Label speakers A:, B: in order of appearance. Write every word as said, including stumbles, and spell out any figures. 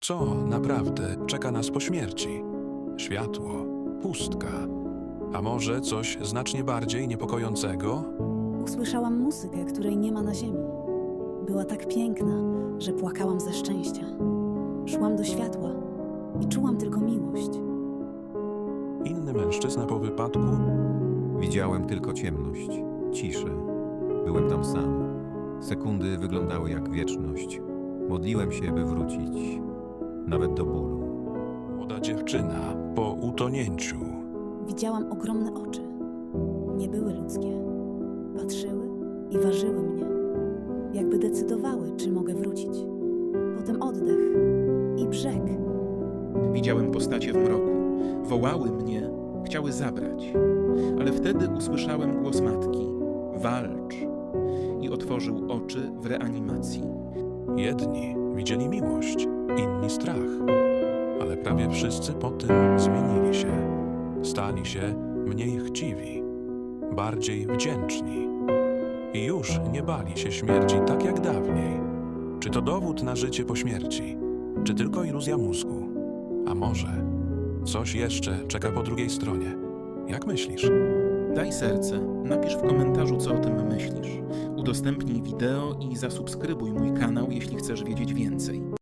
A: Co naprawdę czeka nas po śmierci? Światło, pustka, a może coś znacznie bardziej niepokojącego?
B: Usłyszałam muzykę, której nie ma na ziemi. Była tak piękna, że płakałam ze szczęścia. Szłam do światła i czułam tylko miłość.
A: Inny mężczyzna po wypadku?
C: Widziałem tylko ciemność, ciszę. Byłem tam sam. Sekundy wyglądały jak wieczność. Modliłem się, by wrócić, nawet do bólu.
A: Młoda dziewczyna po utonięciu.
B: Widziałam ogromne oczy. Nie były ludzkie. Patrzyły i ważyły mnie. Jakby decydowały, czy mogę wrócić. Potem oddech i brzeg.
D: Widziałem postacie w mroku. Wołały mnie, chciały zabrać. Ale wtedy usłyszałem głos matki. Walcz! I otworzył oczy w reanimacji.
A: Jedni widzieli miłość, inni strach. Ale prawie wszyscy po tym zmienili się. Stali się mniej chciwi, bardziej wdzięczni. I już nie bali się śmierci tak jak dawniej. Czy to dowód na życie po śmierci? Czy tylko iluzja mózgu? A może coś jeszcze czeka po drugiej stronie? Jak myślisz?
D: Daj serce, napisz w komentarzu, co o tym myślisz. Udostępnij wideo i zasubskrybuj mój kanał, jeśli chcesz wiedzieć więcej.